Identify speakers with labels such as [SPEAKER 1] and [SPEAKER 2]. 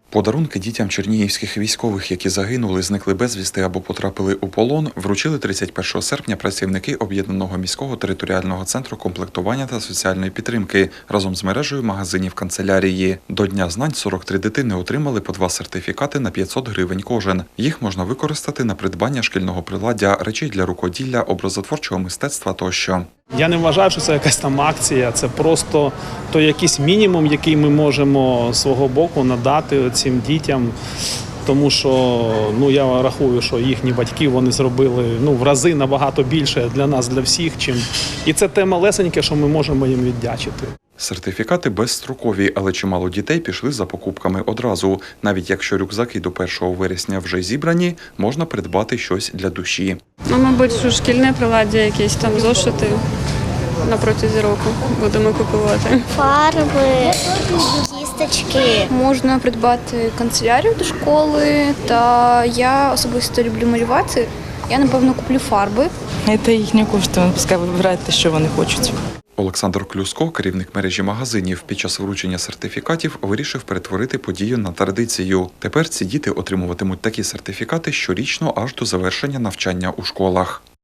[SPEAKER 1] Подарунки дітям чернігівських військових, які загинули, зникли безвісти або потрапили у полон, вручили 31 серпня працівники Об'єднаного міського територіального центру комплектування та соціальної підтримки разом з мережею магазинів канцелярії. До Дня знань 43 дитини отримали по 2 сертифікати на 500 гривень кожен. Їх можна використати на придбання шкільного приладдя, речей для рукоділля, образотворчого мистецтва тощо.
[SPEAKER 2] Я не вважаю, що це якась там акція, це просто той якийсь мінімум, який ми можемо з свого боку надати цим дітям, тому що я рахую, що їхні батьки вони зробили в рази набагато більше для нас, для всіх, і це те малесеньке, що ми можемо їм віддячити.
[SPEAKER 1] Сертифікати безстрокові, але чимало дітей пішли за покупками одразу. Навіть якщо рюкзаки до 1 вересня вже зібрані, можна придбати щось для душі.
[SPEAKER 3] Мабуть, що шкільне приладдя, якісь там зошити на протязі року будемо купувати.
[SPEAKER 4] Фарби, кісточки.
[SPEAKER 5] Можна придбати канцелярію до школи, та я особисто люблю малювати. Я, напевно, куплю фарби.
[SPEAKER 6] Це їхні кошти, пускай вибирають те, що вони хочуть.
[SPEAKER 1] Олександр Клюско, керівник мережі магазинів, під час вручення сертифікатів вирішив перетворити подію на традицію. Тепер ці діти отримуватимуть такі сертифікати щорічно аж до завершення навчання у школах.